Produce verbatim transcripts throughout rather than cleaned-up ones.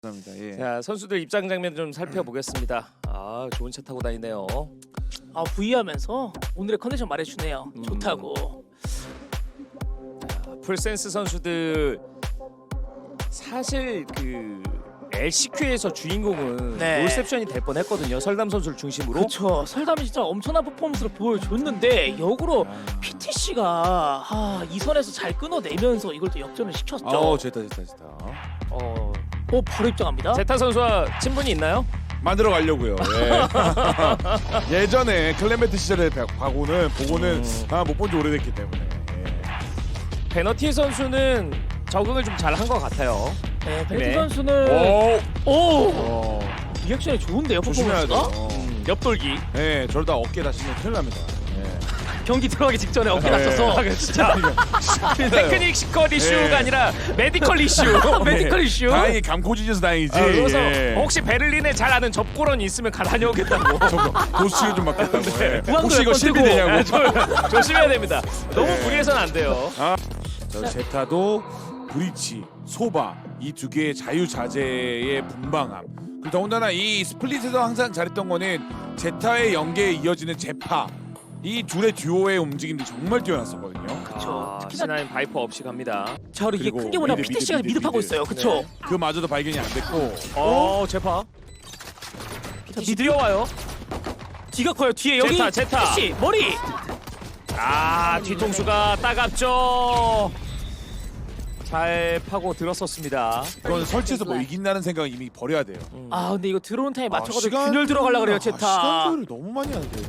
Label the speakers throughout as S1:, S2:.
S1: 감사합니다. 예.
S2: 자, 선수들 입장 장면 좀 살펴보겠습니다. 아, 좋은 차 타고 다니네요.
S3: 아 V하면서 오늘의 컨디션 말해주네요.
S2: 음.
S3: 좋다고.
S2: 풀센스 선수들 사실 그 엘씨큐에서 주인공은
S3: 네.
S2: 롤셉션이 될 뻔했거든요. 설담 선수를 중심으로.
S3: 그렇죠. 설담이 진짜 엄청난 퍼포먼스를 보여줬는데 역으로 피티씨가 아, 이 선에서 잘 끊어내면서 이걸 또 역전을 시켰죠.
S1: 아우 제타 제타 제타.
S2: 어,
S3: 오 바로 입장합니다.
S2: 제타 선수와 친분이 있나요?
S1: 만들어 가려고요. 예. 예전에 클레멘트 시절에 봐고는 보고는
S2: 음.
S1: 아, 못 본 지 오래됐기 때문에. 예.
S2: 베너티 선수는 적응을 좀 잘 한 것 같아요.
S3: 네, 베네티
S2: 네.
S3: 선수는
S1: 오.
S3: 오
S1: 어.
S3: 리액션이 좋은데요.
S1: 조심해야
S3: 퍼포먼스가.
S1: 돼요.
S2: 음, 옆돌기.
S1: 예, 저러다 어깨 다치면 큰일 납니다. 예.
S3: 경기 들어가기 직전에 어깨
S1: 네.
S3: 다쳐서
S2: 진짜 테크닉 시컬 이슈가
S1: 네.
S2: 아니라 메디컬 이슈.
S3: 메디컬 이슈.
S1: 다행히 감코지져서 다행이지.
S2: 아, 그래서
S1: 예.
S2: 혹시 베를린에 잘 아는 접고런이 있으면 가 다녀오겠다고.
S1: 저거 도수치료 좀 맡겠다고. 예.
S3: 무한도
S1: 혹시 이거
S3: 몇 번
S1: 실비
S3: 뜨고.
S1: 되냐고.
S2: 아, 조- 조심해야 됩니다. 너무
S1: 네.
S2: 무리해서는 안 돼요.
S1: 저 제타도 브리치, 소바 이 두 개의 자유자재의 분방함. 그리고 더군다나 이 스플릿에서 항상 잘했던 거는 제타의 연계에 이어지는 제파 이 둘의 듀오의 움직임들이 정말 뛰어났었거든요.
S3: 그쵸.
S2: 아,
S3: 특히나
S2: 시나인 바이퍼 없이 갑니다.
S3: 자 그리고 이게
S1: 그리고
S3: 큰 게 뭐냐
S1: 미드,
S3: 피티씨가
S1: 미드,
S3: 미드,
S1: 미드,
S3: 파고
S1: 미드.
S3: 있어요. 그쵸?
S1: 그마저도 발견이 안 됐고.
S2: 어, 제파.
S3: 미드
S2: 뛰어와요.
S3: 뒤가 커요. 뒤에 여기
S2: 제타, 제타.
S3: 피티씨 머리.
S2: 아, 뒤통수가 따갑죠. 잘 파고 들었었습니다.
S1: 이건 설치해서 뭐 이긴다는 생각은 이미 버려야 돼요.
S3: 아 근데 이거 들어온 타임에 맞춰가지고
S1: 시간-
S3: 균열 들어가려 그래요
S1: 아,
S3: 제타.
S1: 시간 소요를 너무 많이 하는데.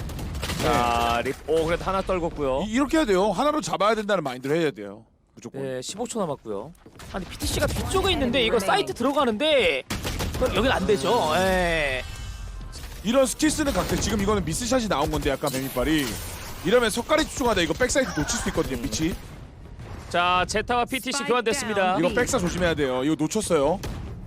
S2: 자, 립. 오, 그래도 하나 떨궜고요.
S1: 이- 이렇게 해야 돼요. 하나로 잡아야 된다는 마인드를 해야 돼요. 무조건.
S2: 네, 십오 초 남았고요.
S3: 아니 피티씨가 뒤쪽에 있는데 이거 사이트 들어가는데 그건 여긴 안 되죠. 예.
S1: 이런 스킬 쓰는 각들 지금 이거는 미스샷이 나온 건데 약간 뱀이빨이 이러면 석가리 집중하다 이거 백사이드 놓칠 수 있거든요. 빛이.
S2: 자, 제타와 피티씨 교환됐습니다.
S1: 이거 백사 조심해야 돼요. 이거 놓쳤어요.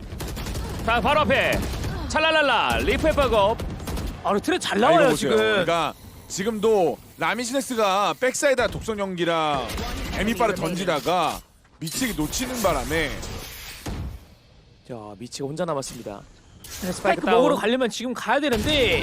S2: 자, 바로 앞에 찰랄랄라 리프의 백업.
S3: 아 그리고 트랙 잘
S1: 아, 이거
S3: 나와요
S1: 보세요.
S3: 지금.
S1: 그러니까 지금도 라미시넥스가 백사이드와 독성 연기랑 뱀이빨을 던지다가 미치게 놓치는 바람에
S2: 자, 미치가 혼자 남았습니다.
S3: 네, 스파이크
S2: 다운.
S3: 먹으러 가려면 지금 가야 되는데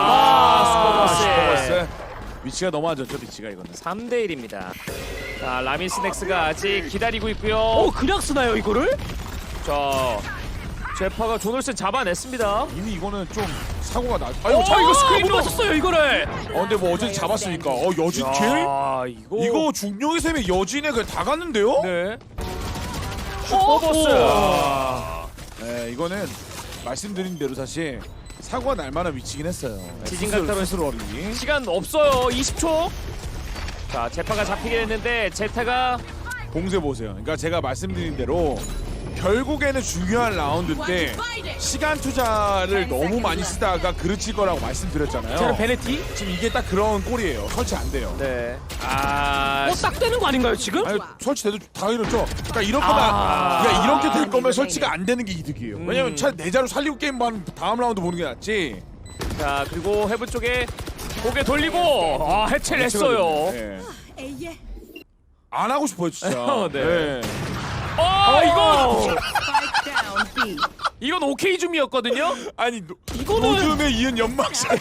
S2: 아, 슈퍼버스.
S1: 슈퍼버스 위치가 너무 안 좋죠. 위치가 이거는.
S2: 삼 대 일입니다. 자, 라미스넥스가 아직 기다리고 있고요.
S3: 어 그냥 쓰나요 이거를?
S2: 자, 제파가 조널슨 잡아냈습니다.
S1: 이미 이거는 좀 사고가 나. 아유
S2: 어,
S1: 자
S2: 이거
S1: 이거
S2: 스크린으로.
S3: 못 맞췄어요 이거를.
S1: 어 근데 뭐 어제 잡았으니까. 어 여진 킬?
S2: 야, 이거
S1: 이거 중령의 셈에 여진에 그냥 다 갔는데요?
S2: 네.
S3: 어,
S2: 슈퍼버스.
S1: 아, 네, 이거는 말씀드린 대로 사실 사고가 날 만한 위치긴 했어요. 네,
S2: 지진
S1: 스스로-
S2: 강타로
S1: 스스로 어린이.
S2: 시간 없어요. 이십 초. 자, 제파가 잡히긴 했는데 제타가
S1: 봉쇄 보세요. 그러니까 제가 말씀드린 대로 결국에는 중요한 라운드 때 시간 투자를 너무 많이 쓰다가 그르칠 거라고 말씀드렸잖아요.
S3: 저는 베네티.
S1: 지금 이게 딱 그런 꼴이에요. 설치 안 돼요.
S2: 네. 아,
S3: 어딱 되는 거 아닌가요 지금?
S1: 아니 설치돼도 다 이렇죠. 그러니까 이렇거나
S3: 아.
S1: 야 이렇게 될 거면 설치가 안 되는 게 이득이에요.
S2: 음.
S1: 왜냐면 차라리 내자로 살리고 게임만 다음 라운드 보는 게 낫지.
S2: 자, 그리고 헤븐 쪽에 고개 돌리고 아, 해체를 했어요.
S1: 네.
S4: 에이예.
S1: 안 하고 싶어요 진짜.
S2: 네. 아, 이거
S4: Spike down B.
S2: 이건 오케이 줌이었거든요.
S1: 아니 노,
S3: 이거는-
S1: 노즘에 이은 연막샷.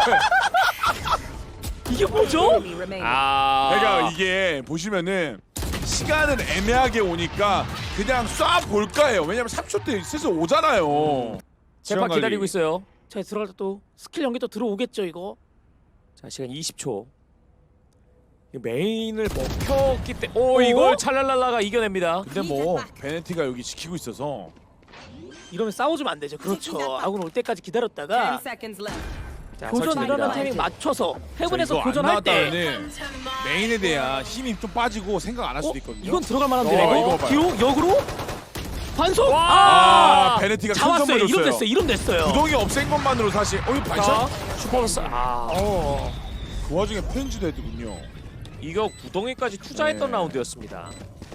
S3: 이게 뭐죠?
S4: Enemy remaining.
S2: 아,
S1: 그러니까 이게 보시면은 시간은 애매하게 오니까 그냥 쏴 볼까요? 왜냐면 삼 초 때 슬슬 오잖아요.
S2: 제파
S1: 시간
S2: 기다리고
S1: 관리.
S2: 있어요.
S3: 자 들어갈 때 또 스킬 연계 또 들어오겠죠 이거.
S2: 자, 시간 이십 초. 이거 메인을 먹혔기 때문에 오, 이걸 찰랄랄라가 이겨냅니다.
S1: 근데 뭐 베네티가 여기 지키고 있어서
S3: 이러면 싸워주면 안 되죠. 그렇죠. 아군 올 때까지
S4: Ten
S3: 기다렸다가
S4: seconds left.
S2: 자,
S3: 교전
S2: 설치됩니다.
S3: 일어나는 타이밍 맞춰서
S1: 저
S3: 헤븐에서
S1: 이거 안
S3: 교전할 때
S1: 나왔다면은 메인에 대한 힘이 좀 빠지고 생각 안 할 수도
S3: 어?
S1: 있거든요.
S3: 이건 들어갈 만한데
S1: 어,
S3: 이거
S1: 이거 봐요.
S3: 뒤로 역으로 반속.
S2: 와!
S1: 아,
S3: 아,
S1: 베네티가 큰
S3: 잡았어요.
S1: 선물
S3: 이름
S1: 줬어요.
S3: 됐어요. 이름 됐어요.
S1: 구덩이 없앤 것만으로 사실 어이
S2: 자,
S1: 반샷?
S2: 슈퍼버스. 아,
S3: 어.
S1: 그 와중에 편지도 했더군요.
S2: 이거 구덩이까지 투자했던
S1: 네.
S2: 라운드였습니다.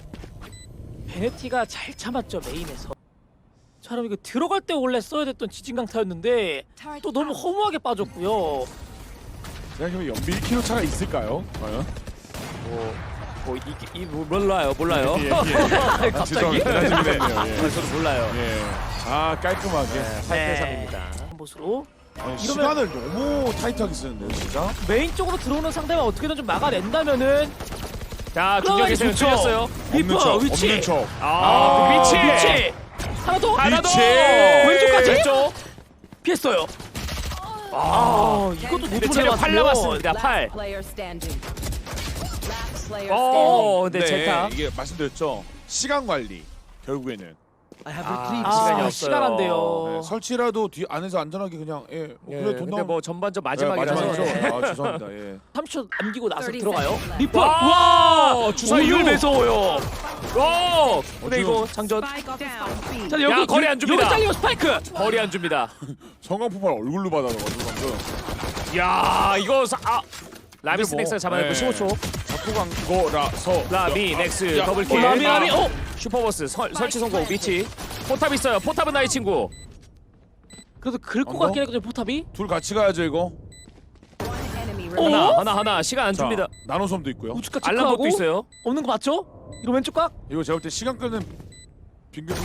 S3: 베네티가 잘 참았죠 메인에서. 자 그럼 이거 들어갈 때 원래 써야 됐던 지진강타였는데 또 너무 허무하게 빠졌고요.
S1: 생각해보면 연비 일 킬로미터 차가 있을까요? 과연?
S2: 뭐 뭐 이게 이 뭐, 몰라요 몰라요.
S1: 예, 예. 아,
S3: 갑자기?
S1: 죄송합니다. 준비됐네요.
S2: 아,
S1: 예.
S2: 저도 몰라요.
S1: 예. 아 깔끔하게.
S2: 팔 대 삼입니다.
S3: 한 보수로
S1: 아니, 시간을 너무 타이트하게 쓰는데요, 진짜.
S3: 메인 쪽으로 들어오는 상대만 어떻게든 좀 막아낸다면은
S2: 자
S3: 그러면
S2: 중력의 셈
S3: 좋죠.
S2: 틀렸어요.
S3: 리퍼
S1: 없는 척,
S3: 위치
S1: 없는 척.
S2: 아,
S1: 아,
S2: 위치
S3: 위치 하나 더
S2: 하나 더
S1: 위치!
S3: 왼쪽까지?
S2: 왼쪽.
S3: 피했어요. 아, 이것도
S2: 근데
S3: 노트를
S2: 체력 팔
S3: 해봤으면
S2: 남았습니다. 팔.
S4: Last player standing. Last player standing.
S2: 어, 근데
S1: 네,
S2: 제타.
S1: 이게 말씀드렸죠. 시간 관리 결국에는
S2: 아,
S3: 아,
S2: 시간이 없어요.
S3: 시간 안 돼요.
S1: 네, 설치라도 뒤 안에서 안전하게 그냥 예, 어,
S2: 예,
S1: 그래 돈
S2: 근데
S1: 나오면
S2: 뭐 전반전
S1: 네,
S2: 마지막이라서.
S1: 마지막이죠.
S2: 예.
S1: 아 죄송합니다. 예.
S3: 삼십 초 남기고 나서
S4: thirty
S3: 들어가요.
S4: seconds
S3: 리퍼.
S2: 와,
S3: 와,
S2: 주사유.
S3: 오늘 매서워요.
S2: 오! 근데 이거 장전
S4: Spike down B.
S3: 자, 여기
S2: 야, 거리 안 줍니다.
S3: 여기 잘리면 스파이크.
S2: 거리 안 줍니다.
S1: 성광 폭발 얼굴로 받아가지고 방금
S2: 야, 이거 사, 아 라미스
S1: 뭐,
S2: 넥스 잡아내고
S1: 네.
S2: 십오 초.
S1: 잡고 간 거라서
S2: 라미 넥스
S1: 야,
S2: 더블킬.
S3: 어, 라미, 라미, 어.
S2: 슈퍼버스 설, 설치 성공 위치. 포탑 있어요. 포탑은 나의 친구.
S3: 그래도 긁고
S1: 안 거?
S3: 갔긴 했거든요, 포탑이.
S1: 둘 같이 가야죠 이거.
S4: One enemy
S3: 어?
S4: remaining.
S2: 하나 하나 하나 시간 안
S1: 자,
S2: 줍니다.
S1: 나노섬도 있고요.
S3: 우측까
S2: 알람복도
S3: 체크하고
S2: 있어요.
S3: 없는 거 맞죠? 이거 왼쪽 각.
S1: 이거 제가 볼 때 시간 끄는 빙글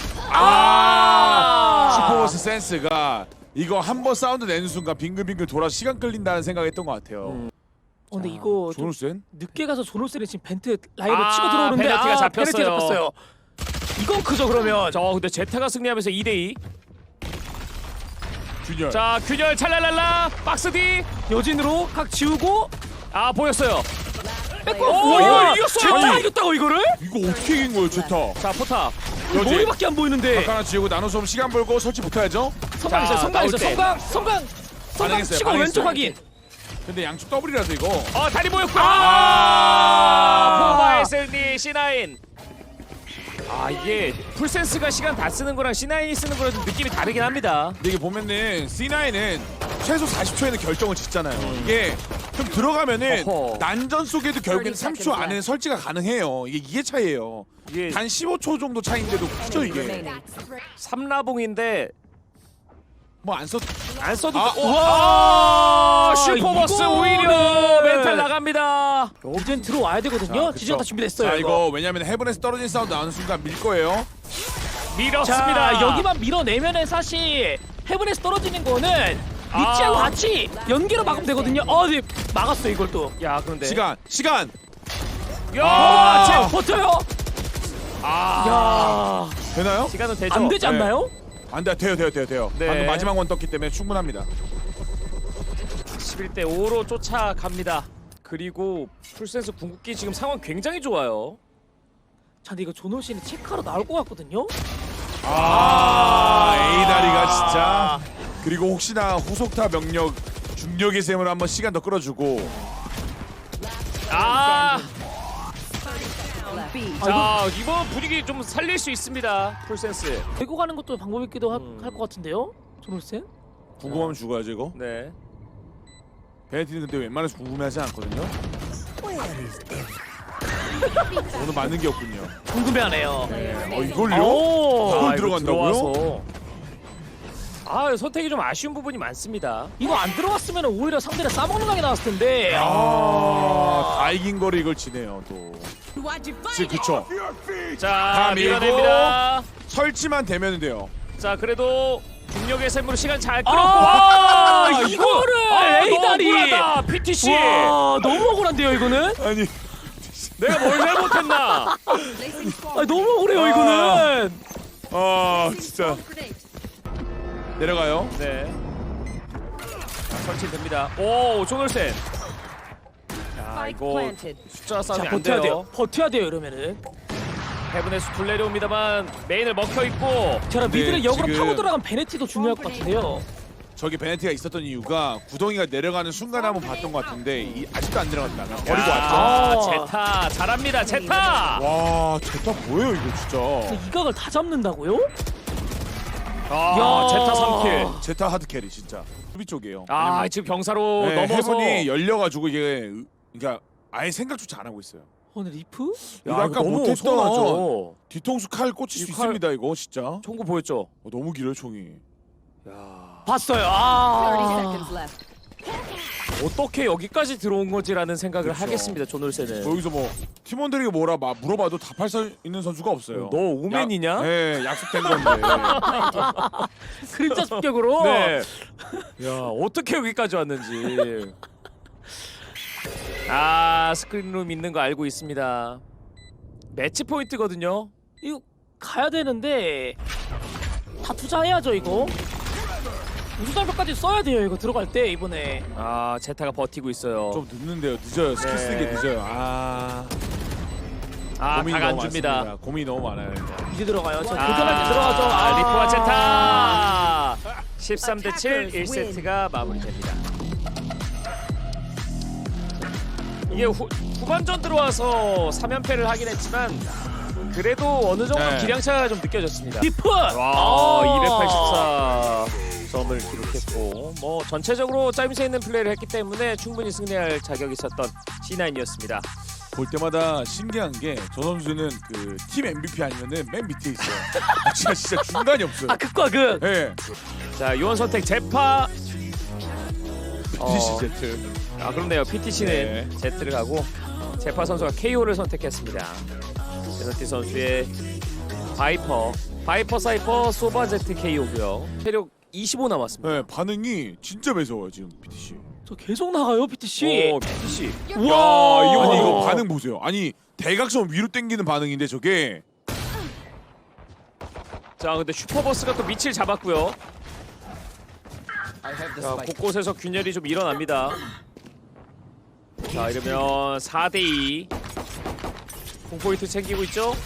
S2: 아!
S1: 슈퍼버스 센스가 이거 한 번 사운드 내는 순간 빙글빙글 돌아 시간 끌린다는 생각했던 것 같아요.
S2: 음.
S3: 어, 근데 이거 좀
S1: 조노센?
S3: 늦게 가서 조놀센이 지금 벤트 라인을
S2: 아,
S3: 치고 들어오는데
S2: 페널티가
S3: 아,
S2: 잡혔어요.
S3: 페널티 잡혔어요. 이건 크죠 그러면.
S2: 저 근데 제타가 승리하면서 이 대 이.
S1: 균열.
S2: 자, 균열 찰랄랄라 박스 D.
S3: 여진으로 각 지우고
S2: 아, 보였어요.
S3: 뺏고.
S2: 오,
S3: 우와,
S2: 이거 이겼어요.
S3: 제타
S1: 아니.
S3: 이겼다고 이거를?
S1: 이거 어떻게 이긴 거예요, 제타?
S2: 자, 포탑.
S1: 여지.
S3: 머리밖에 안 보이는데.
S1: 각 하나 지우고 나노섬 시간 벌고 설치 못해야죠.
S3: 성광
S2: 자,
S3: 있어요. 성광
S2: 나올
S3: 있어요.
S2: 때.
S3: 성광, 성광, 성광
S1: 반응했어요,
S3: 치고
S1: 반응했어요.
S3: 왼쪽 확인.
S1: 근데 양쪽 더블이라서 이거.
S2: 어, 다리 보였고.
S1: 아!
S2: 아! 포바의 승리 씨 나인. 아, 이게 풀센스가 시간 다 쓰는 거랑 씨 나인이 쓰는 거랑 좀 느낌이 다르긴 합니다.
S1: 근데 이게 보면은 씨 나인은 최소 사십 초에는 결정을 짓잖아요. 이게 좀 들어가면은
S2: 어허.
S1: 난전 속에도 결국엔 삼십 초 안에 설치가 가능해요. 이게 이게 차이예요.
S2: 이게
S1: 단 십오 초 정도 차이인데도 크죠
S4: Enemy
S1: 이게.
S4: remaining.
S2: 삼라봉인데
S1: 뭐 안 썼.
S2: 안 써도
S1: 아,
S2: 돼. 와! 슈퍼버스
S3: 이거는-
S2: 오히려 멘탈 나갑니다.
S3: 이젠 들어와야 되거든요.
S1: 그쵸.
S3: 지정 다 준비됐어요.
S1: 자
S3: 이거.
S1: 이거 왜냐면 헤븐에서 떨어진 사운드 나오는 순간 밀 거예요.
S2: 밀었습니다.
S3: 자, 여기만 밀어내면은 사실 헤븐에서 떨어지는 거는
S2: 아.
S3: 위치하고 같이 연계로 막으면 되거든요. 어, 네, 막았어 이걸 또.
S2: 야, 그런데
S1: 시간 시간.
S2: 야,
S1: 아.
S2: 제
S3: 버텨요.
S2: 아.
S3: 야,
S1: 되나요?
S2: 시간은 되죠.
S3: 안 되지
S1: 네.
S3: 않나요?
S1: 안 돼, 돼요, 돼요, 돼요, 돼요.
S2: 네.
S1: 방금 마지막 원 떴기 때문에 충분합니다.
S2: 십일 대 오로 쫓아갑니다. 그리고 풀센스 궁극기 지금 상황 굉장히 좋아요.
S3: 자, 근데 이거 조노신이 체크하러 나올 것 같거든요.
S1: 아, A 다리가 진짜. 그리고 혹시나 후속타 명력 중력의 셈을 한번 시간 더 끌어주고.
S2: 아,
S4: Down B.
S2: 자 이번 분위기 좀 살릴 수 있습니다. 풀센스.
S3: 데리고 가는 것도 방법이기도
S2: 음.
S3: 할 것 같은데요. 조노센?
S1: 궁금하면 죽어야지 이거.
S2: 네.
S1: 베네티는 근데 웬만해서 궁금해하지 않거든요. 오늘 맞는 게 없군요.
S3: 궁금해하네요.
S1: 어 이걸요?
S3: 오,
S1: 그걸
S2: 아, 이거
S1: 들어간다고요?
S2: 들어와서. 아, 선택이 좀 아쉬운 부분이 많습니다.
S3: 이거 안 들어갔으면 오히려 상대를 싸먹는 각이 나왔을 텐데.
S1: 아, 다 이긴 거를 이걸 지네요 또.
S4: Why'd you
S1: 지금
S4: fight?
S1: 그쵸.
S2: 자,
S1: 다 밀고.
S2: 밀어냅니다.
S1: 설치만 되면 돼요.
S2: 자, 그래도 중력의 샘으로 시간 잘 끌었고.
S3: 아,
S2: 와,
S3: 이거를
S2: 아,
S3: 에이
S2: 너무
S3: 다리.
S2: 억울하다, 피티씨.
S3: 와, 너무 억울한데요 이거는?
S1: 아니
S2: 내가 뭘 잘못했나?
S4: Placing swarm
S3: 아, 너무 억울해요
S1: 아.
S3: 이거는.
S1: 아
S4: grenade.
S1: 진짜
S4: Grenade.
S1: 내려가요.
S2: 네. 자, 설치됩니다. 오, 조널센. 자,
S4: Spike
S2: 이거
S4: planted.
S2: 숫자
S3: 자,
S2: 싸움이 안
S3: 버텨야
S2: 돼요.
S3: 돼요. 버텨야 돼요 이러면은.
S2: 헤븐에서 둘 내려옵니다만 메인을 먹혀 있고.
S3: 제가
S1: 근데
S3: 미드를 역으로
S1: 지금-
S3: 파고 들어간 베네티도 중요할 것 같은데요.
S1: 저기 베네티가 있었던 이유가 구덩이가 내려가는 순간에 한번 봤던 것 같은데 이, 아직도 안 내려갔다. 그냥 버리고 왔죠.
S2: 아,
S3: 왔죠.
S2: 제타 잘합니다. 제타.
S1: 와 제타 뭐예요 이거 진짜.
S3: 근데 이 각을 다 잡는다고요?
S2: 아,
S3: 야.
S2: 제타 삼 킬.
S1: 제타 하드 캐리 진짜. 수비 쪽이에요.
S2: 아, 지금 병사로
S1: 네,
S2: 넘어서.
S1: 해븐이 열려가지고 이게 으- 그러니까 아예 생각조차 안 하고 있어요.
S3: 오늘 리프?
S1: 이거 아까
S2: 너무
S1: 못했던
S2: 서운하죠.
S1: 뒤통수 칼 꽂힐 수
S2: 이 칼-
S1: 있습니다 이거 진짜.
S2: 총구 보였죠?
S1: 어, 너무 길어요 총이.
S2: 야.
S3: 봤어요.
S4: thirty
S3: 아.
S4: seconds left.
S2: 어떻게 여기까지 들어온 거지라는 생각을
S1: 그쵸.
S2: 하겠습니다. 존올센은.
S1: 뭐 여기서 뭐 팀원들에게 뭐라 막 물어봐도 답할 수 있는 선수가 없어요.
S2: 너 오맨이냐?
S1: 네, 약속된 건데.
S3: 그림자 습격으로.
S2: 네. 야 어떻게 여기까지 왔는지. 아 스크린룸 있는 거 알고 있습니다. 매치 포인트거든요.
S3: 이거 가야 되는데 다 투자해야죠 이거. 우주장벽까지 써야 돼요 이거 들어갈 때 이번에.
S2: 아 제타가 버티고 있어요.
S1: 좀 늦는데요. 늦어요. 스킬
S2: 네.
S1: 쓰기 늦어요. 아.
S2: 아
S1: 고민이
S2: 각 안
S1: 너무
S2: 줍니다.
S1: 많습니다. 고민이 너무 많아요.
S3: 이제 들어가요. 저
S2: 아,
S3: 도전할 때 들어가죠.
S2: 아, 리프와
S3: 아.
S2: 제타 십삼 대 칠 일 세트가 마무리됩니다. 이게 후, 후반전 들어와서 삼 연패를 하긴 했지만 그래도 어느 정도
S1: 네.
S2: 기량차가 좀 느껴졌습니다.
S3: 디프.
S2: 와
S3: 아.
S2: 이백팔십사 점을 기록했고 뭐 전체적으로 짜임새 있는 플레이를 했기 때문에 충분히 승리할 자격이 있었던 씨 나인이었습니다.
S1: 볼 때마다 신기한 게 저 선수는 그 팀 엠브이피 아니면은 맨 밑에 있어요. 아, 진짜 진짜 중간이 없어요.
S3: 아 극과 극.
S1: 네.
S2: 자 요원 선택 제파. 어.
S1: 피티씨 제트.
S2: 아 그렇네요. 피티씨는
S1: 네.
S2: Z를 가고 제파 선수가 케이오를 선택했습니다. 베너티 선수의 바이퍼, 바이퍼 사이퍼 소바 제트 케이오고요. 체력 이십오 남았습니다.
S1: 네, 반응이 진짜 매서워요 지금 피티씨.
S3: 저 계속 나가요 피티씨.
S2: 오 피티씨.
S3: 와.
S1: 야, 이거 아니 이거 반응 보세요. 아니 대각선 위로 당기는 반응인데 저게.
S2: 자 근데 슈퍼버스가 또 밑을 잡았고요. 자 곳곳에서 균열이 좀 일어납니다. 자 이러면 사 대 이 공포인트 챙기고 있죠.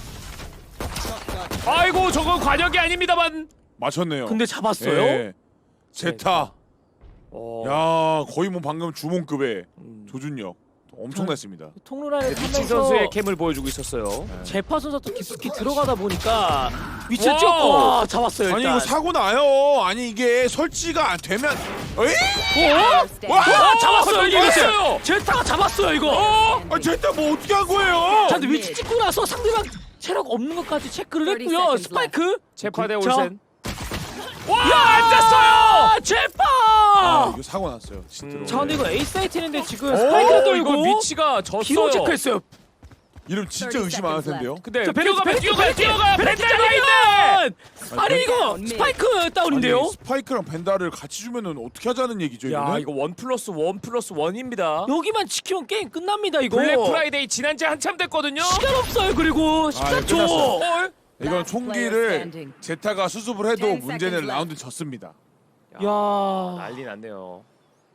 S2: 아이고 저건 관역이 아닙니다만.
S1: 맞췄네요.
S3: 근데 잡았어요?
S1: 예. 제타.
S2: 어,
S1: 야, 거의 뭐 방금 주몽급의
S2: 음.
S1: 조준력 엄청났습니다.
S3: 통로라인을
S2: 미친
S3: 타면서
S2: 선수의 캠을 보여주고 있었어요.
S3: 제파 선수 또 깊숙이 들어가다 보니까 위치를
S2: 와우.
S3: 찍었고 와, 잡았어요 일단.
S1: 아니 이거 사고 나요. 아니 이게 설치가 안 되면 에이?
S3: 어?
S1: 와!
S3: 아, 잡았어요
S2: 어,
S3: 이게.
S2: 이겼어요.
S3: 제타가 잡았어요 이거.
S2: 어?
S1: 아, 제타 뭐 어떻게 한 거예요?
S3: 자, 근데 위치 찍고 나서 상대방 체력 없는 것까지 체크를
S4: thirty
S3: 했고요.
S4: seconds
S3: 스파이크.
S2: 제파 대
S3: 자.
S2: 올센. 와 앉았어요.
S3: 아, 제파.
S1: 아, 이거 사고 났어요. 진짜로.
S2: 음.
S3: 자, 근데 이거 에이스 아이티인데 지금
S1: 오,
S3: 스파이크를
S2: 어,
S3: 돌고
S2: 이거 위치가
S3: 기록
S2: 졌어요.
S3: 체크했어요.
S1: 이름 진짜 의심 안 할 텐데요.
S2: 근데
S3: 자, 베네티,
S2: 뛰어가면
S3: 베네티,
S2: 뛰어가요
S3: 베네티,
S2: 뛰어가요
S3: 베네티
S2: 벤달가 있네.
S3: 잡으면! 아니 이거 스파이크 다운인데요?
S1: 아니, 스파이크랑 벤다를 같이 주면은 어떻게 하자는 얘기죠,
S2: 야
S1: 이거는?
S2: 이거 원 플러스 원 플러스 원입니다.
S3: 여기만 지키면 게임 끝납니다 이거.
S2: 블랙 프라이데이 지난 지 한참 됐거든요.
S3: 시간 없어요 그리고 십삼 초.
S1: 끝났어요.
S2: 헐.
S1: 이건 총기를 제타가 수습을 해도
S4: ten
S1: 문제는
S4: seconds
S1: 라운드 졌습니다.
S3: 야.
S2: 난리 났네요.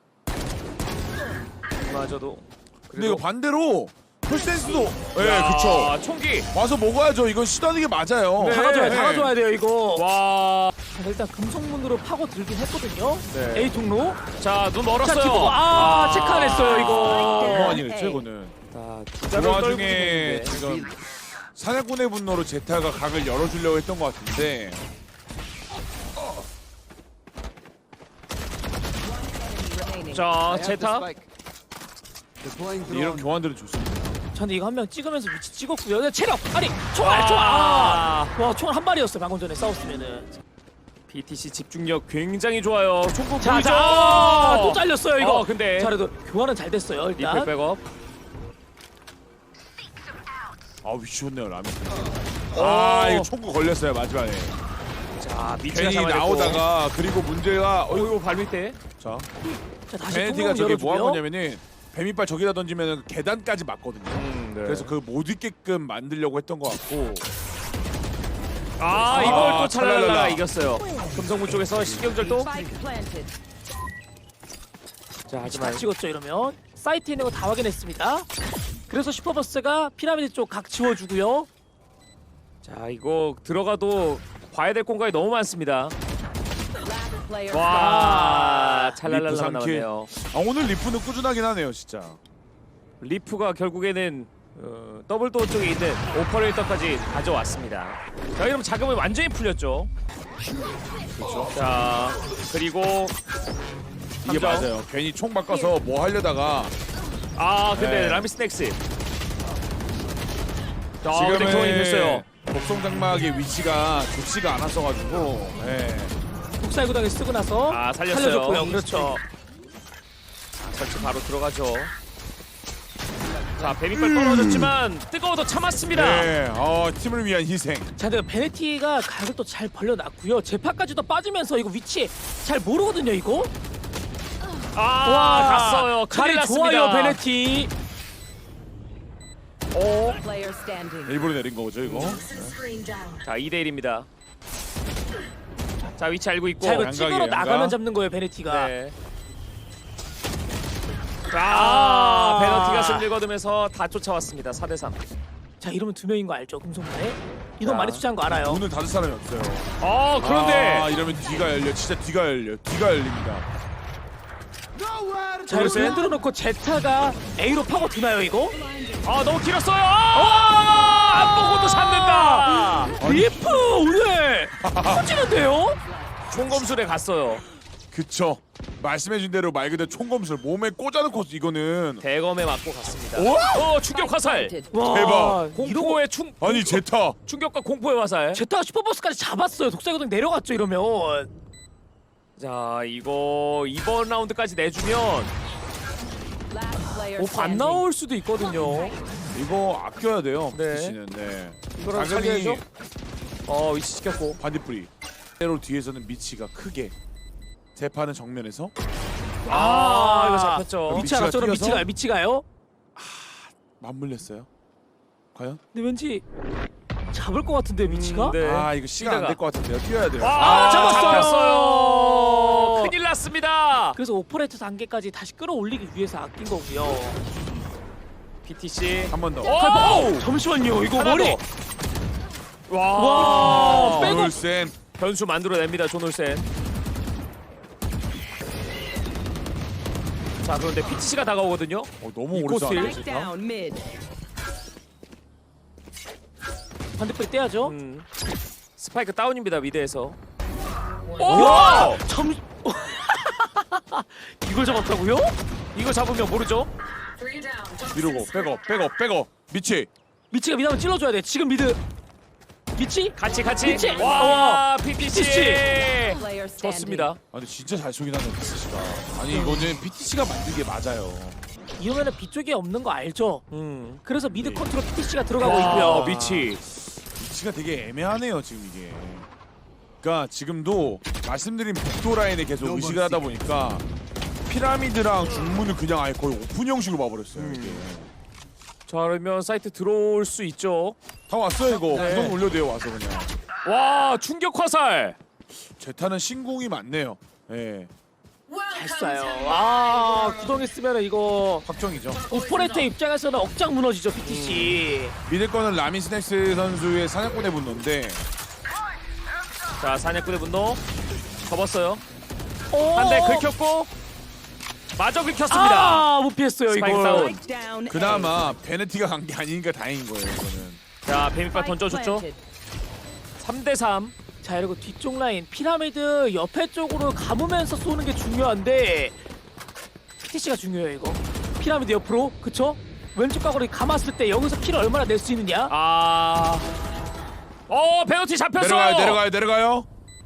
S2: 마저도.
S1: 근데 이거 반대로 풀센스도 예,
S2: 야,
S1: 그쵸.
S2: 총기.
S1: 와서 먹어야죠. 이건 시도하는 게 맞아요.
S2: 네.
S3: 다가줘야
S1: 네.
S3: 다가줘야 돼요 이거.
S2: 와.
S3: 자, 일단 금속문으로 파고 들긴 했거든요.
S2: 네.
S3: A 통로.
S2: 자, 눈
S3: 자,
S2: 멀었어요.
S3: 지금 아, 체크 안 했어요 이거.
S1: 그거 아니랬죠, 이거는.
S2: 자,
S1: 그
S2: 부자를 떨고
S1: 와중에
S2: 있는데.
S1: 지금 사냥꾼의 분노로 제타가 각을 열어주려고 했던 것 같은데
S2: 자, 제타.
S1: 이런 교환들은 좋습니다.
S3: 저는 이거 한 명 찍으면서 위치 찍었고요. 근데 체력 아니 총알 총알. 아. 와 총알 한 발이었어요 방금 전에 싸웠으면은.
S2: 비티씨 집중력 굉장히 좋아요. 총구
S3: 자,
S2: 보이죠?
S3: 자, 아, 또 잘렸어요 이거.
S2: 어, 근데
S3: 자, 그래도 교환은 잘 됐어요
S2: 리플
S3: 일단.
S2: 백업.
S1: 아, 위치 좋네요, 라면. 아,
S2: 오.
S1: 이거 총구 걸렸어요, 마지막에.
S2: 자, 미치가
S1: 괜히
S2: 잡아냈고.
S1: 나오다가 그리고 문제가 어,
S2: 어이구 발밑에.
S1: 자,
S3: 자 다시
S1: 베네티가
S3: 통로
S1: 저기 뭐 한
S3: 열어주고요.
S1: 거냐면은 뱀이빨 저기다 던지면 계단까지 맞거든요.
S2: 음, 네.
S1: 그래서 그 못 있게끔 만들려고 했던 것 같고.
S2: 아, 이걸
S1: 아,
S2: 또 찰랄랄라
S1: 찰랄랄라.
S2: 이겼어요. 금성문 쪽에서 신경절도.
S4: Spike planted.
S2: 자,
S3: 위치 다
S2: 하지만
S3: 찍었죠 이러면. 사이트에 있는 거 다 확인했습니다. 그래서 슈퍼버스가 피라미드 쪽 각 지워주고요.
S2: 자, 이거 들어가도 봐야 될 공간이 너무 많습니다.
S4: Last player
S2: 와,
S1: 리프
S2: 찰랄랄라
S1: 삼 킬.
S2: 남았네요.
S1: 아, 오늘 리프는 꾸준하긴 하네요, 진짜.
S2: 리프가 결국에는 어, 더블 도어 쪽에 있는 오퍼레이터까지 가져왔습니다. 자, 이러면 자금이 완전히 풀렸죠. 그렇죠. 자, 그리고
S1: 이게
S2: 삼 점.
S1: 맞아요. 괜히 총 바꿔서 뭐 하려다가
S2: 아, 근데
S1: 네.
S2: 라미스넥스. 자, 근데 교환이 됐어요.
S1: 복성 장막의 위치가 좋지가 않았어가지고. 네.
S3: 독살구덩이 쓰고 나서
S2: 아, 살렸어요.
S3: 살려줬고요. 그렇죠.
S2: 설치 바로 들어가죠. 자, 뱀이빨 떨어졌지만 뜨거워도 참았습니다.
S1: 네, 어, 팀을 위한 희생.
S3: 자, 근데 베네티가 각을 또 잘 벌려놨고요. 제파까지도 빠지면서 이거 위치 잘 모르거든요, 이거.
S2: 아, 갔어요. 큰일
S3: 자리
S2: 났습니다.
S3: 좋아요, 베네티.
S2: 오,
S4: Player standing.
S1: 일부러 내린 거죠 이거.
S2: 자, 이 대 일입니다. 자, 위치 알고 있고.
S3: 자, 이거
S1: 양각이에요,
S3: 찍으로
S1: 양각.
S3: 나가면 잡는 거예요, 베네티가.
S2: 네. 아, 페널티가 승리를 거두면서 다 쫓아왔습니다. 사 대 삼.
S3: 자, 이러면 두 명인 거 알죠, 금속마에? 이동
S2: 자,
S3: 많이 투자한 거 알아요.
S1: 오늘 다섯 사람이 없어요.
S2: 어, 그런데
S1: 아, 이러면 뒤가 열려. 진짜 뒤가 열려. 뒤가 열립니다.
S3: 자, 이렇게 흔들어 놓고 제타가 A로 파고 드나요, 이거?
S2: 아, 너무 길었어요. 아, 안 보고도 잡는다.
S3: 리프 오늘 터지는데요?
S2: 총검술에 갔어요.
S1: 그쵸. 말씀해준 대로 말 그대로 총검술 몸에 꽂아놓고 이거는.
S2: 대검에 맞고 갔습니다.
S1: 오?
S2: 어, 충격 화살.
S4: Planted.
S3: 와,
S1: 대박.
S3: 이러고
S2: 공포의 충
S1: 아니 제타.
S2: 충격과 공포의 화살.
S3: 제타가 슈퍼버스까지 잡았어요. 독사교동 내려갔죠, 이러면.
S2: 자, 이거 이번 라운드까지 내주면
S4: Last player
S2: 오, 반
S4: standing.
S2: 나올 수도 있거든요.
S1: 이거 아껴야 돼요.
S2: 네.
S1: 피씨는. 네.
S2: 이거랑
S1: 자금이
S2: 살려야죠. 어, 위치 시켰고.
S1: 반딧불이. 때로 뒤에서는 미치가 크게. 재판은 정면에서.
S2: 아, 이거 잡혔죠.
S3: 미치
S1: 미치가
S3: 알았죠?
S1: 뛰어서?
S3: 미치가요, 미치가요?
S1: 맞물렸어요. 과연?
S3: 근데 왠지 잡을 것 같은데, 미치가?
S2: 음, 네.
S1: 아 이거 시간 안 될 것 같은데요. 뛰어야 돼요.
S2: 아,
S3: 아, 잡았어요.
S2: 잡혔어요. 큰일 났습니다.
S3: 그래서 오퍼레이터 단계까지 다시 끌어올리기 위해서 아낀 거고요.
S2: 피티씨.
S1: 한 번 더.
S2: 오!
S3: 잠시만요, 이거
S2: 하나
S3: 머리.
S2: 더. 와.
S3: 와, 빼고.
S1: 올센.
S2: 변수 만들어냅니다. 존올센. 자, 그런데 피티씨가 다가오거든요.
S1: 어, 너무
S2: 이
S1: 오래
S2: 코스에
S1: 잖아
S4: Spike down mid.
S3: 반대쪽에 떼야죠.
S2: 음. 스파이크 다운입니다. 미드에서.
S3: 와! 잠 이걸 잡았다고요?
S2: 이거 잡으면 모르죠?
S1: 미루고 백업 백업 백업. 미치.
S3: 미치가 미나면 찔러줘야 돼. 지금 미드. 미치?
S2: 같이 같이.
S3: 피치!
S2: 와, 피티씨.
S4: Player standing.
S2: 좋습니다.
S1: 아 근데 진짜 잘 쏘긴 하네 피티씨가. 아니 이거는 피티씨가 만든 게 맞아요.
S3: 이러면은 B 쪽에 없는 거 알죠?
S2: 음.
S3: 그래서 미드 컨트롤 피티씨가 들어가고
S2: 와,
S3: 있고요.
S2: 미치.
S1: 위치가 되게 애매하네요 지금 이게. 그러니까 지금도 말씀드린 복도 라인에 계속 의식을 하다 보니까 피라미드랑 중문을 그냥 아예 거의 오픈 형식으로 봐버렸어요. 이게.
S2: 자, 그러면 사이트 들어올 수 있죠.
S1: 다 왔어요 이거.
S2: 네.
S1: 구성 올려도 돼요 와서 그냥.
S2: 와, 충격 화살.
S1: 제타는 신궁이 많네요. 예.
S3: 잘 쏴요. 아, 구덩이 쓰면은 이거
S1: 확정이죠.
S3: 오퍼레이터 입장에서는 억장 무너지죠, 피티씨.
S1: 믿을 거는 라미 스낵스 선수의 사냥꾼의 분노인데
S2: 자, 사냥꾼의 분노. 접었어요.
S3: 오!
S2: 한 대 긁혔고 마저 긁혔습니다.
S3: 아, 못 피했어요,
S2: 스파이크
S3: 이거.
S2: 다운.
S4: Spike down. A.
S1: 그나마 베네티가 간 게 아니니까 다행인 거예요 이거는.
S2: 자, 뱀이빨
S4: Spike
S2: 던져줬죠.
S4: planted.
S2: 삼 대 삼.
S3: 자, 그리고 뒤쪽 라인 피라미드 옆에 쪽으로 감으면서 쏘는 게 중요한데 피티씨가 중요해요, 이거. 피라미드 옆으로, 그쵸? 왼쪽 각으로 감았을 때 여기서 킬을 얼마나 낼 수 있느냐?
S2: 아. 어, 페널티 잡혔어요.
S1: 내려가요 내려가요 내려가요.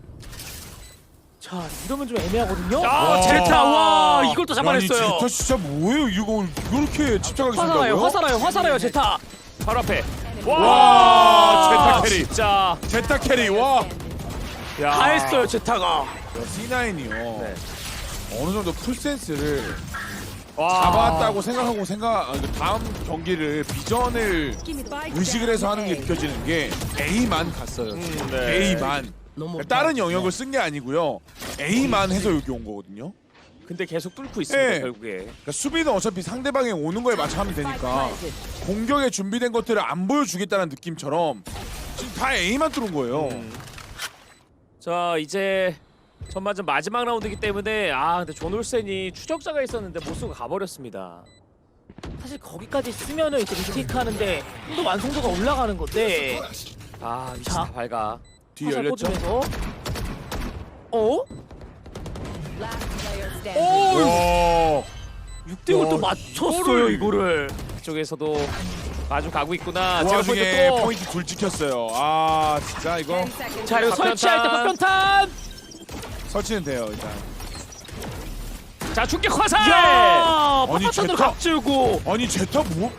S3: 자, 이러면 좀 애매하거든요.
S2: 아,
S1: 와.
S3: 제타, 와, 이걸 또
S1: 아니
S3: 잡아냈어요.
S1: 제타 진짜 뭐예요 이거 이렇게 집착하게
S3: 화살아요,
S1: 쓴다고요?
S3: 화살아요, 화살아요, 제타.
S2: 바로 앞에.
S1: 와, 제타 캐리.
S2: 진짜.
S1: 제타 캐리 와.
S2: 야.
S3: 다 했어요, 제타가.
S1: 씨나인이요.
S2: 네.
S1: 어느 정도 풀센스를
S2: 와.
S1: 잡았다고 생각하고 생각 아, 다음 경기를 비전을
S4: Spike
S1: 의식을
S4: down
S1: 해서 하는 게
S4: A.
S1: 느껴지는 게 A만 갔어요.
S2: 음, 네.
S1: A만. 그러니까 다른 영역을 쓴 게 아니고요. A만 해서 여기 온 거거든요.
S2: 근데 계속 뚫고 있습니다.
S1: 네.
S2: 결국에.
S1: 그러니까 수비는 어차피 상대방이 오는 거에 맞춰 하면
S4: Spike
S1: 되니까
S4: planted.
S1: 공격에 준비된 것들을 안 보여주겠다는 느낌처럼 지금 다 A만 뚫은 거예요.
S2: 음. 자, 이제 전반전 마지막 라운드이기 때문에 아, 근데 존 올센이 추적자가 있었는데 못 쓰고 가버렸습니다.
S3: 사실 거기까지 쓰면은 이제 리테이크 하는데 좀 더 완성도가 올라가는 건데.
S2: 아, 위치
S3: 자.
S2: 다 밝아.
S1: 뒤
S3: 화살
S1: 열렸죠?
S3: 꽂으면서. 어?
S4: Last player standing.
S1: 오!
S3: 육 대 오 또
S1: 야,
S3: 맞췄어요,
S1: 이거를.
S3: 이거를.
S2: 그쪽에서도 마주 가고 있구나.
S1: 그
S2: 제가
S1: 와중에
S2: 또
S1: 포인트 둘 찍혔어요. 아 진짜 이거
S4: Ten seconds.
S3: 자, 그리고
S2: 박변탄.
S3: 설치할 때 박변탄.
S1: 설치는 돼요 일단.
S2: 자 충격 화살.
S3: 야,
S1: 아니,
S3: 파파탄으로
S1: 제타-
S3: 각지고.
S1: 아니 제타 뭐?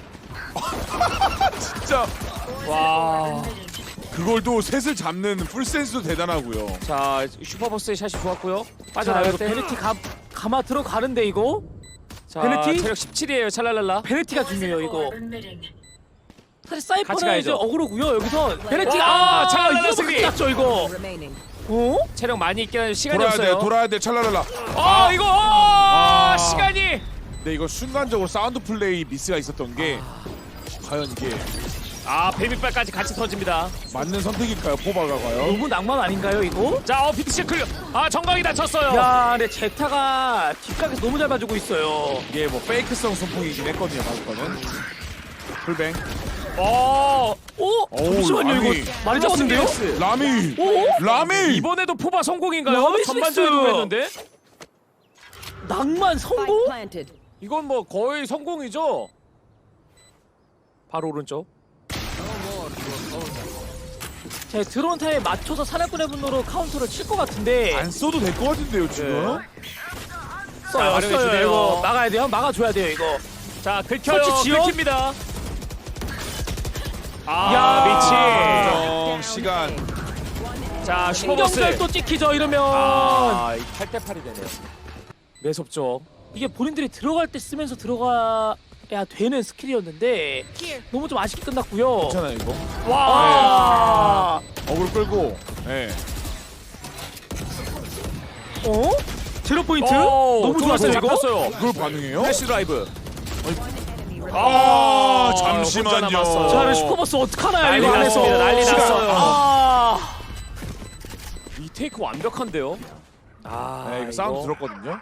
S1: 진짜
S2: 와.
S1: 그걸 또 셋을 잡는 풀센스도 대단하고요.
S2: 자 슈퍼버스의 샷이 좋았고요.
S3: 자,
S2: 빠져나갈
S3: 이거
S2: 때.
S3: 베네티 가 가마 들어가는데 이거.
S2: 자
S3: 베네티?
S2: 체력 십칠이에요. 찰랄랄라.
S3: 베네티가 중요해요 이거. 사실
S2: 같이
S3: 사이퍼는
S2: 가야죠.
S3: 이제 어그로고요. 여기서 베네티가
S2: 와,
S3: 아,
S2: 잘
S3: 이거
S2: 승리.
S3: 났죠 이거.
S4: remaining.
S3: 어?
S2: 체력 많이 있긴 한데 시간이
S1: 돌아야 돼,
S2: 없어요.
S1: 돌아야 돼, 찰라랄라.
S2: 아 이거 아, 시간이.
S1: 근데 이거 순간적으로 사운드 플레이 미스가 있었던 게 과연 이게
S2: 아 베비발까지 같이 터집니다.
S1: 맞는 선택일까요? 포바가 과연?
S3: 너무 낭만 아닌가요 이거?
S2: 자 어 비트시 클리어. 아 정강이 다쳤어요.
S3: 야, 근데 제타가 뒷각에서 너무 잘 봐주고 있어요.
S1: 이게 뭐 페이크성 손풍이긴 했거든요, 방금은. 풀뱅.
S2: 어
S3: 오,
S1: 어우,
S3: 잠시만요
S1: 라미.
S3: 이거 많이 잡았는데요?
S1: 라미.
S3: 오?
S1: 라미.
S2: 이번에도 포바 성공인가요?
S3: 라미
S2: 전반전에도
S3: 스믹스.
S2: 했는데
S4: Spike
S3: 낭만 성공?
S4: planted.
S2: 이건 뭐 거의 성공이죠. 바로 오른쪽.
S3: 제 드론 타임에 맞춰서 사냥꾼의 분노로 카운터를 칠 것 같은데
S1: 안 써도 될 것 같은데요, 지금.
S3: 써요,
S2: 자,
S3: 써요.
S2: 활용해주네요.
S3: 이거 막아야 돼요, 막아줘야 돼요 이거.
S2: 자 긁혀요.
S3: 설치 지연?
S2: 긁힙니다. 아
S3: 야.
S1: 정정 시간.
S2: 미치. 자 슈퍼버스.
S3: 신경절 또 찍히죠 이러면.
S2: 아 팔 대 팔이 되네요. 매섭죠.
S3: 이게 본인들이 들어갈 때 쓰면서 들어가야 되는 스킬이었는데 너무 좀 아쉽게 끝났고요.
S1: 괜찮아요, 이거.
S3: 와.
S1: 어글 끌고. 예.
S3: 어? 제로 포인트?
S2: 오,
S3: 너무 좋았어요 이거.
S2: 잡혔어요.
S1: 그걸 반응해요?
S2: 플래시 드라이브.
S1: 아,
S2: 혼자
S1: 잠시만요.
S2: 남았어요.
S3: 자, 그럼 슈퍼버스 어떡하나요
S2: 난리
S3: 이거 안에서.
S2: 났습니다. 난리
S3: 시간.
S2: 났어요.
S3: 아.
S2: 이 테이크 완벽한데요. 아
S1: 네, 이거 사운드 들었거든요.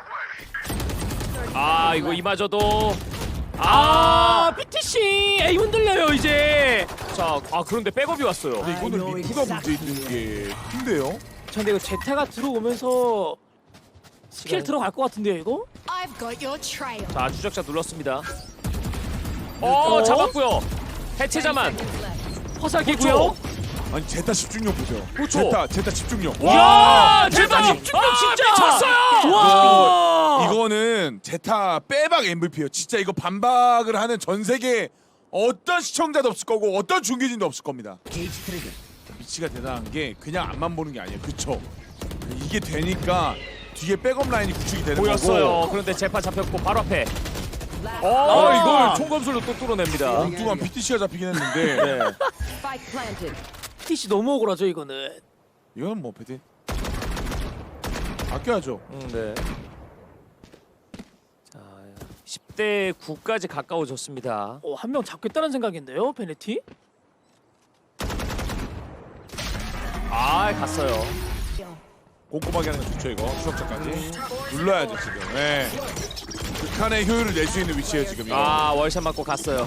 S2: 아 이거 이마저도.
S3: 아, 피티씨 에이 흔들려요 이제.
S2: 자, 아 그런데 백업이 왔어요.
S1: 근데 이거는 리프가 문제 있는 게 큰데요?
S3: 자, 근데 이거 제타가 들어오면서 스킬
S2: 시간.
S3: 들어갈 것 같은데요 이거?
S5: I've got your trail.
S2: 자, 추적자 눌렀습니다. 어,
S3: 어?
S2: 잡았고요. 해체자만.
S3: 화살기고요.
S1: 아니 제타 집중력 보세요.
S2: 그렇죠.
S1: 제타 제타 집중력.
S3: 와, 제타
S2: 아니,
S3: 집중력
S2: 아,
S3: 진짜.
S2: 미쳤어요.
S3: 와.
S1: 이거는 제타 빼박 엠브이피예요. 진짜 이거 반박을 하는 전 세계 어떤 시청자도 없을 거고 어떤 중계진도 없을 겁니다. 위치가 대단한 게 그냥 앞만 보는 게 아니에요. 그쵸? 이게 되니까 뒤에 백업 라인이 구축이 되는
S2: 보였어요.
S1: 거고
S2: 그런데 재판 잡혔고 바로 앞에. 어,
S3: 아.
S2: 이걸 총검술로 또 뚫어냅니다.
S1: 엉뚱한 피티씨가 잡히긴 했는데
S2: 네.
S4: Spike planted.
S3: 피티씨 너무 억울하죠 이거는.
S1: 이건 뭐 패티 아껴야죠.
S2: 음, 네. 자, 십 대 구까지 가까워졌습니다.
S3: 어, 한 명 잡겠다는 생각인데요, 베네티?
S2: 아, 갔어요.
S1: 꼼꼼하게 하는 거 좋죠 이거 추적자까지 눌러야죠 지금. 네. 극한의 효율을 낼 수 있는 위치예요 지금 이거.
S2: 아, 월샷 맞고 갔어요.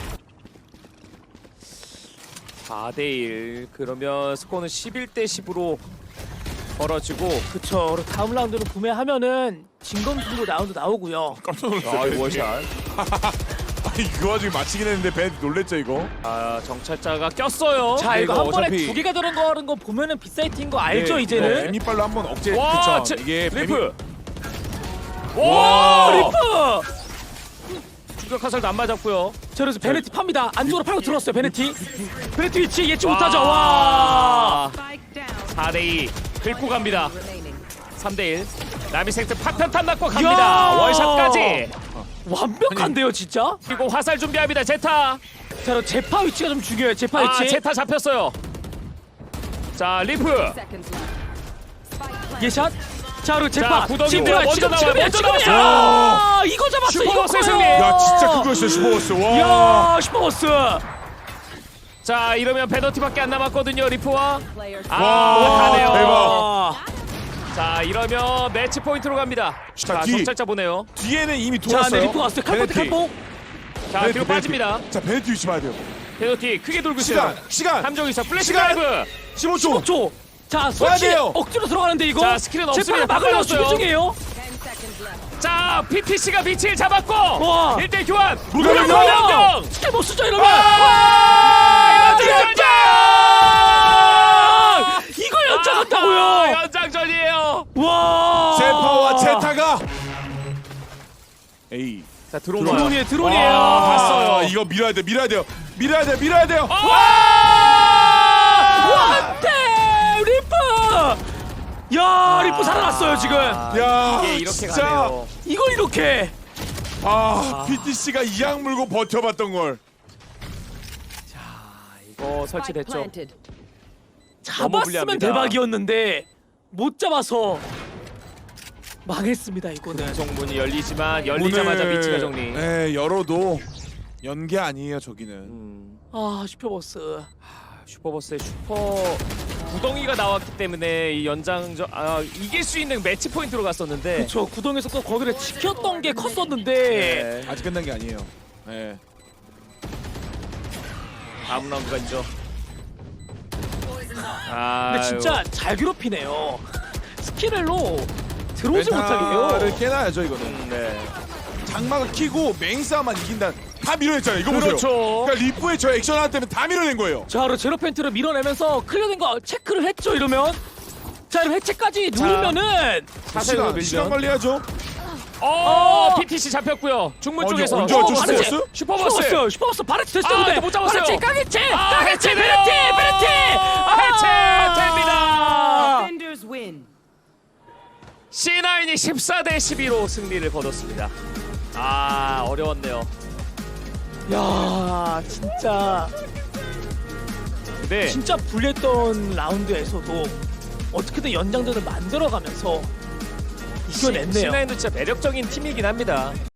S2: 사 대 일. 그러면 스코어는 십일 대 십으로 벌어지고.
S3: 그쵸. 그리고 다음 라운드는 구매하면은 진검 들고 라운드 나오고요.
S1: 깜짝
S2: 아,
S1: 놀랐어요.
S2: 이 월샷.
S1: 아니 그 와중에 맞히긴 했는데 벤 놀랬죠 이거.
S2: 아, 정찰자가 꼈어요.
S3: 자, 이거
S1: 이거
S3: 한 번에
S1: 어차피-
S3: 두 개가 들어가는 거 보면은 빅사이트인 거 알죠
S1: 네,
S3: 이제는?
S1: 이거 뱀이빨로 한번 억제.
S2: 와,
S1: 그쵸.
S2: 제-
S1: 이게
S2: 리프.
S1: 뱀이-
S2: 와,
S1: 와,
S3: 리프!
S2: 충격 화살도 안 맞았고요.
S3: 자, 그래서 베네티 팝니다. 안쪽으로 팔고 들어왔어요, 베네티. 베네티 위치 예측
S2: 와.
S3: 못하죠. 와.
S4: Spike down.
S2: 사 대 이. 긁고 갑니다.
S4: Remaining.
S2: 삼 대 일. 나미생트 파편탄 맞고 갑니다.
S3: 야.
S2: 월샷까지.
S3: 완벽한데요, 진짜?
S2: 그리고 화살 준비합니다. 제타.
S3: 자, 그럼 제파 위치가 좀 중요해요. 제파
S2: 아,
S3: 위치.
S2: 제타 잡혔어요. 자, 리프.
S4: Seconds left. Spike planted.
S3: 예샷. 자, 그리고 제파.
S2: 구덩이인데요.
S3: 지금
S2: 먼저
S3: 지금
S2: 나와요.
S3: 지금이야,
S2: 먼저
S3: 지금이야.
S2: 나왔어요.
S3: 아, 이거 잡았어. 이거
S2: 슈퍼버스의
S3: 커요.
S2: 승리.
S1: 야 진짜 그거였어요 슈퍼버스. 와.
S3: 야, 슈퍼버스.
S2: 자, 이러면 페널티밖에 안 남았거든요. 리프와.
S4: Players.
S2: 아,
S1: 와,
S2: 가네요.
S1: 대박.
S3: 아.
S2: 자, 이러면 매치 포인트로 갑니다.
S1: 자,
S2: 자,
S1: 뒤.
S2: 정찰자 보내요.
S1: 뒤에는 이미
S3: 자,
S1: 돌았어요.
S3: 네, 리프 왔어요. 칼포트
S1: 베네티.
S3: 칼포.
S2: 자,
S1: 베네티,
S2: 뒤로
S1: 베네티.
S2: 빠집니다.
S1: 자 베네티 위치 봐야 돼요.
S2: 페널티 크게 돌고 있어요.
S1: 시간 시간
S2: 함정 있어. 플래시
S1: 시간.
S2: 드라이브.
S1: 십오 초.
S3: 오 초. 자, 솔직히
S1: 돼요.
S3: 억지로 들어가는데 이거.
S2: 자, 스킬은 없습니다.
S3: 제파가 막으려고
S2: 바꿔줬어요.
S3: 준비 중이에요.
S4: Ten seconds left.
S2: 자, 피티씨가 비치를 잡았고.
S3: 와.
S2: 일 대 일 교환.
S1: 무덤
S2: 무덤
S1: 무덤.
S2: 함정.
S3: 스킬 못 쓰죠 이러면.
S2: 아, 연장전!
S3: 이걸 연장한다고요.
S2: 아, 연장전이에요.
S3: 와.
S1: 제파와 제타가 A.
S2: 자 드론 와요.
S3: 드론이에요, 드론이에요.
S1: 아,
S2: 봤어요.
S1: 이거 밀어야 돼, 밀어야 돼요, 밀어야 돼, 밀어야 돼요.
S3: 안돼 리프. 야 리프 살아났어요 지금.
S1: 야,
S2: 이게 이렇게
S1: 진짜.
S2: 가네요.
S3: 이걸 이렇게.
S1: 아, 피티씨가 이악 물고 버텨봤던 걸.
S2: 이거
S4: Spike
S2: 설치됐죠.
S4: planted.
S2: 너무
S3: 잡았으면
S2: 불리합니다.
S3: 대박이었는데 못 잡아서 망했습니다 이거는.
S2: 정문이 열리지만 열리자마자
S1: 오늘,
S2: 위치가 정리.
S1: 네, 열어도 연계 아니에요, 저기는.
S2: 음,
S3: 아 슈퍼버스.
S2: 슈퍼버스의 슈퍼 구덩이가 나왔기 때문에 이 연장전 아, 이길 수 있는 매치 포인트로 갔었는데.
S3: 그렇죠. 구덩에서 또 거기를 지켰던 게 컸었는데.
S2: 네.
S1: 아직 끝난 게 아니에요. 네.
S2: 다음 라운드가 있죠. 아,
S3: 근데 진짜 잘 괴롭히네요. 스킬을로 들어오지 못하게
S1: 멘탈을
S3: 해요.
S1: 깨놔야죠, 이거는.
S2: 음, 네.
S1: 장막을 키고 메인 싸움만 이긴다. 다 밀어냈잖아요. 이거
S2: 그렇죠.
S1: 보세요. 그러니까 리프의 저 액션 하나 때문에 다 밀어낸 거예요.
S3: 자, 그리고 제로 펜트를 밀어내면서 클리어된 거 체크를 했죠. 이러면 자, 이럼 해체까지 누르면은
S2: 자세로
S1: 시간, 시간
S2: 밀면.
S1: 관리하죠.
S2: 어, 피티씨 잡혔고요. 중문
S1: 아니,
S2: 쪽에서.
S1: 언제
S2: 어,
S1: 어쩔 수
S2: 바르체.
S1: 없어요?
S2: 슈퍼버스.
S3: 슈퍼버스, 슈퍼버스 바레트 됐어요.
S2: 아,
S3: 근데
S2: 못 잡았어요.
S3: 바레트 까겠지,
S2: 아,
S3: 까겠지,
S2: 해체돼요.
S3: 베레티, 베레티.
S2: 해체됩니다.
S4: Defenders win.
S2: 씨나인이 십사 대 십이로 승리를 거뒀습니다. 아, 어려웠네요.
S3: 야, 진짜
S2: 근데
S3: 진짜 불리했던 라운드에서도 어떻게든 연장전을 만들어가면서 이겨냈네요.
S2: 씨나인도 진짜 매력적인 팀이긴 합니다.